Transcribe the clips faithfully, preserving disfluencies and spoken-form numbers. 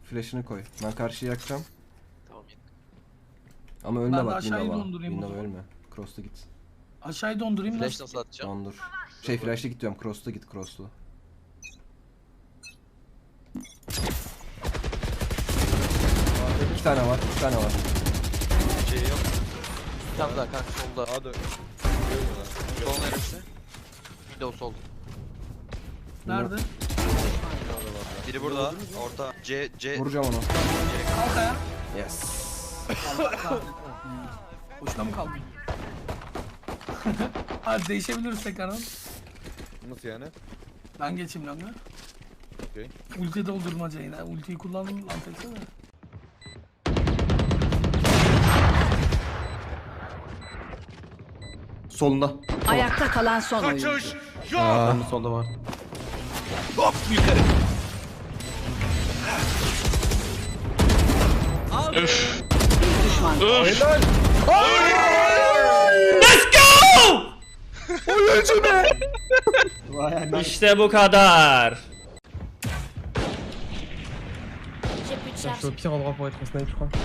Flash'ını koy. Ben karşıya yakacağım. Tamam. Ama ölme Ben de bak aşağıyı Windows'a. dondurayım o Windows'a zaman. ölme. Cross'ta git. Aşağıya dondurayım. Flash Nasıl? nasıl atacağım? Dondur. Şey flash'ta git diyorum. Cross'ta git. Cross'lu. İki tane var. İki tane var. Şey yok. Bir tane daha kanka solda. Hadi. Sol neresi? Windows sol. Nerede? Biri burada. Orta. C, C. Vuracağım onu. Kalk ayağa. Yes. Boşuna mı kaldın? Hadi değişebiliriz tekrardan. Nasıl yani? Ben geçeyim lan ya. Okey. Ulti doldurmaca yine. Ultiyi kullandım lan teksene. Solunda. Ayakta kalan son oyuncu. Aa. Solda var. Bir düşman kaldı. İşte bu kadar. Je suis au pire endroit pour être en snipe, je crois.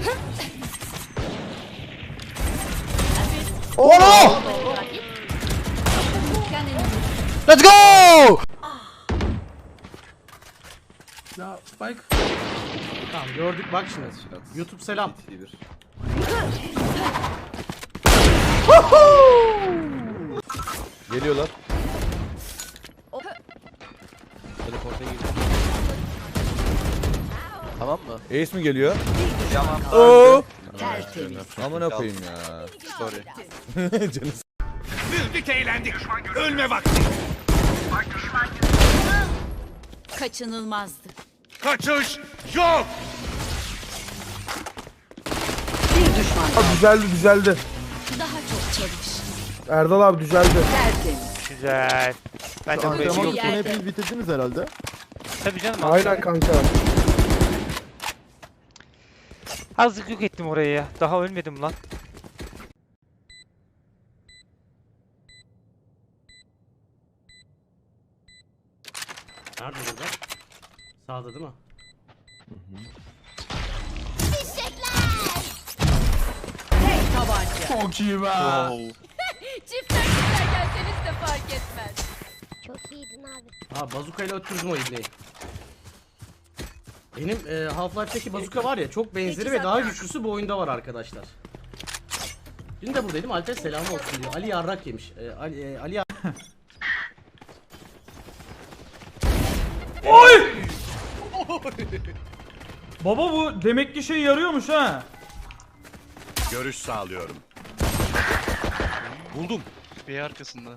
Oh! Let's go! Ya Spike. Tamam gördük bak şimdi. YouTube selam. Geliyorlar. Tamam mı? Ace mi geliyor? Tamam. Oo. Tertemiz. Amına koyayım ya. Sorry. Canım. Kaçınılmazdı. Kaçış yok. Bir düşman kaldı. Düzeldi düzeldi. Daha çok çalış. Erdal abi düzeldi. Tertemiz. Güzel. Ben de burayı Antrenman yok. yerde. Hepiniz bitirdiniz herhalde. Tabii canım. Aynen kanka. Azıcık yok ettim orayı ya. Daha ölmedim lan. Nerede burada? Sağda değil mi? Tek tabanca. Çok iyi be. Çiftler çiftler gelseniz de fark etmez. Çok iyiydin abi. Ha bazukayla öttürdüm o ibneyi. Benim e, Half-Life'deki bazuka var ya çok benzeri ve daha güçlüsü bu oyunda var arkadaşlar. Dün de buradaydım. Alper selamı olsun diyor. Ali yarrak yemiş. E, Ali e, Ali yar- Baba bu demek ki şey yarıyormuş ha. Görüş sağlıyorum. Buldum. Bir arkasında.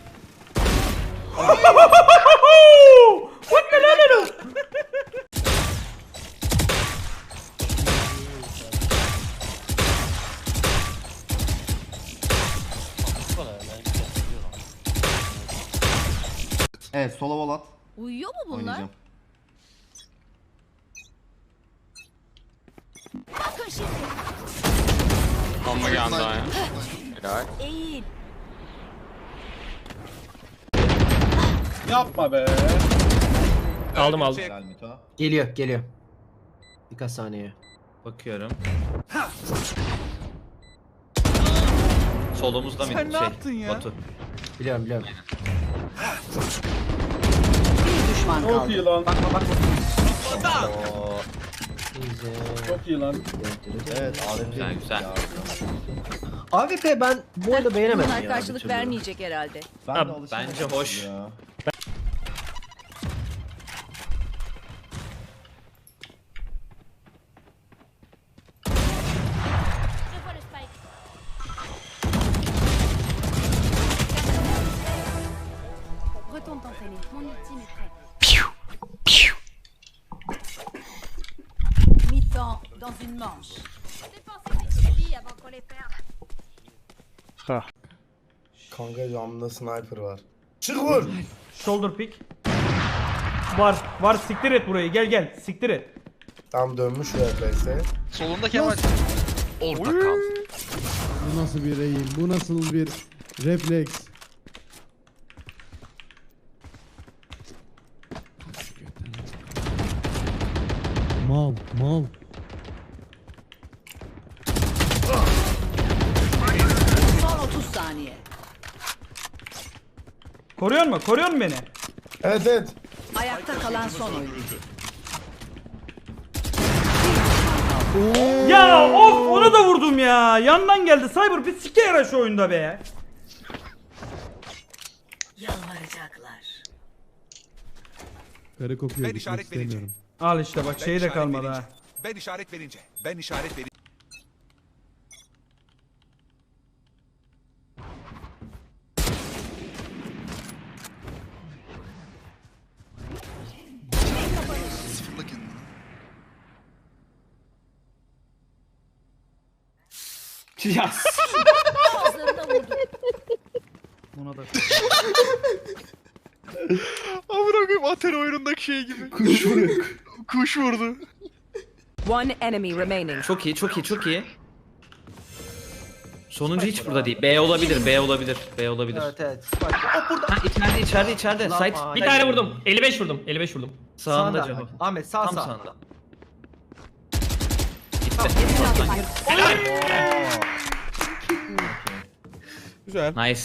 Evet sola vol at. Uyuyor mu bunlar? Oynayacağım. Bakın şimdi. Amma geldi ya. Helal. Eğil. Yapma be. Aldım aldım. Geliyor geliyor. Birkaç saniye. Bakıyorum. Solumuzda mıydı Sen ne şey? yaptın ya? Batu. Biliyorum biliyorum. Bir düşman Çok kaldı. iyi lan. Bakma bakma. Çok iyi lan. Evet Güzel güzel. A W P ben bu arada beğenemedim Bunlar ya. karşılık bir türlü. vermeyecek herhalde. Ha, bence hoş. Je vois le spike. Retourne t'entraîner. Mon ultime est prêt. Mi-temps dans une manche. Dépensez tes crédits avant qu'on les perde. Kanka camda sniper var. Çık vur. Shoulder pick. Var. Var siktir et burayı. Gel gel. Siktir et. Tam dönmüş V P S. Solunda Kemal. Orta kal. Bu nasıl bir eğim? Bu nasıl bir refleks? Mal, mal. Son otuz saniye. Koruyor mu? Koruyor mu beni? Evet evet. Ayakta kalan son oyuncu. Ya of onu da vurdum ya. Yandan geldi. Cyber bir sike yara şu oyunda be. Yalvaracaklar. Kare kokuyor. Ben gitmek işaret istemiyorum. vereceğim. Al işte bak şeyi de işaret kalmadı verince. ha. Ben işaret verince. Ben işaret verince. Ağızlarına vurdu. Buna da. Amına koyayım Atari oyunundaki şey gibi. Kuş vurdu. Kuş vurdu. One enemy remaining. Çok iyi, çok iyi, çok iyi. Sonuncu hiç burada değil. B olabilir, B olabilir, B olabilir. Evet evet. Ha içeride, içeride, içeride. Site Bir tane vurdum. elli beş vurdum. elli beş vurdum. sağında Sağında. Ceho. Ahmet sağ Tam sağ. sağında. Güzel. Nice.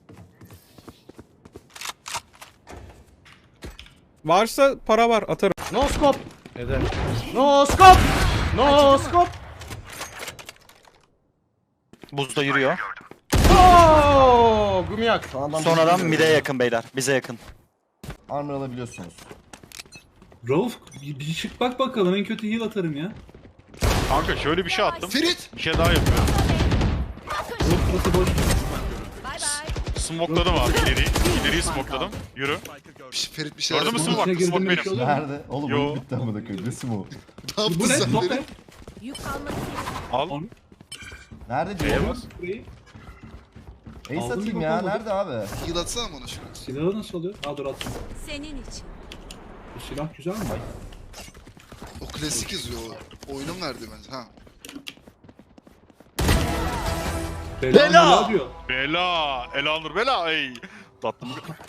Varsa para var atarım. No scope. Neden? No scope. No scope. Buzda yürüyor. Oo, Gumiyak. Son adam mid'e yakın beyler, bize yakın. Armor alabiliyorsunuz. Rauf bir, bir çık bak bakalım en kötü heal atarım ya. Kanka şöyle bir şey attım. Ferit. Bir şey daha yapıyorum. Burası boş. Bay bay. Smokladım abi ileriyi. İleriyi smokladım. Yürü. Ferit bir şey Gördün mü İçine smoke? girdim, Smoke bir şey benim. oluyor mu? Nerede? Oğlum Yo. oyun bitti amına koyayım. Resim o. Ne yaptın Bu ne? sen Top Ferit? ne? Yük kalmadı. Al. Nerede Neye diyor? bas? Burayı. Ace Aldın atayım mı, ya. bakalım. Nerede abi? Heal atsana bana şunu. Silahı nasıl oluyor? Aa dur attım. Senin için. Bu silah güzel mi? O klasik yazıyor. O oyunun verdiği bence. Ha. Bela! Bela diyor. Bela. Elanur bela. Ey. Tattım.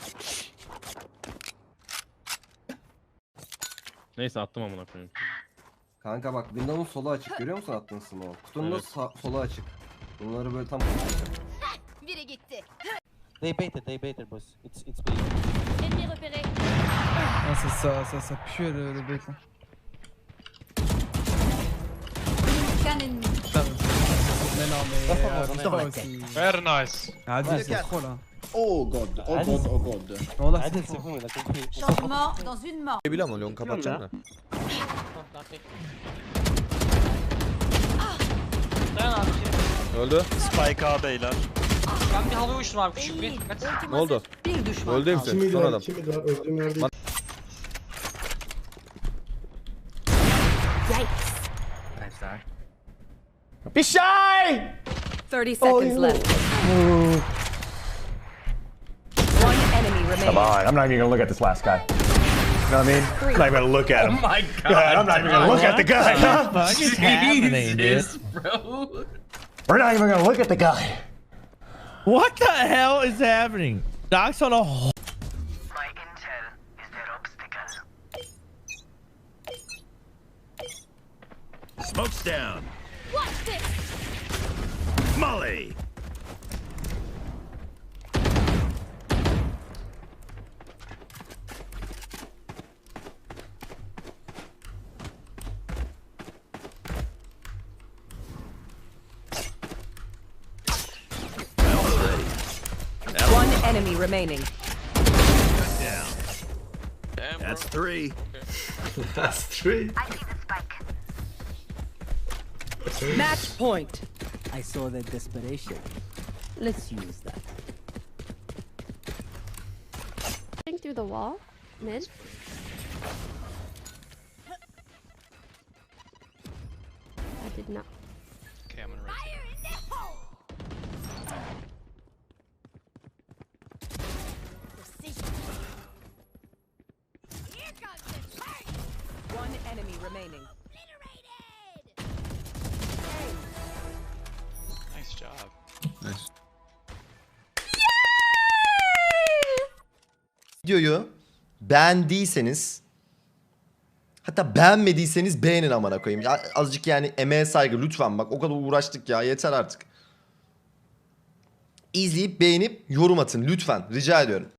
Neyse attım amına koyayım. Kanka bak Windows'un solu açık. Görüyor musun attığın smoke? Kutunun da Evet. sa- solu açık. Bunları böyle tam... Biri gitti. They baited, they baited boss. It's, it's Ennemi repéré. Nasıl ça, ça, ça pue le, le bait. Qu'un ennemi. Mais non mais... Dans la tête. Very nice. Hadi c'est trop là. Oh god. Oh god. Oh god. Valla c'est trop. Changement dans une mort. Ne bileyim ama long kapatacağım da. Öldü. Spike A beyler. Ben bir havaya uçtum abi küçük bir. Ne oldu? Bir düşman Öldü kaldı. hepsi. Son adam. thirty seconds left. One enemy remaining. Come on, I'm not even gonna look at this last guy. You know what I mean? I'm not even gonna look at him. Oh my god. I'm not even gonna look at the guy. Huh? What is happening dude? We're not even gonna look at the guy. What the hell is happening? Doc's on a whole... Smoke's down. Watch this. Molly. One enemy remaining. That's three. Match point. I saw the desperation. Let's use that. Through the wall. Mid. I did not. Okay, I'm gonna rotate. One enemy remaining. Nice job. Videoyu beğendiyseniz Hatta beğenmediyseniz beğenin amına koyayım. Ya azıcık yani emeğe saygı lütfen bak. O kadar uğraştık ya yeter artık. İzleyip beğenip yorum atın lütfen rica ediyorum.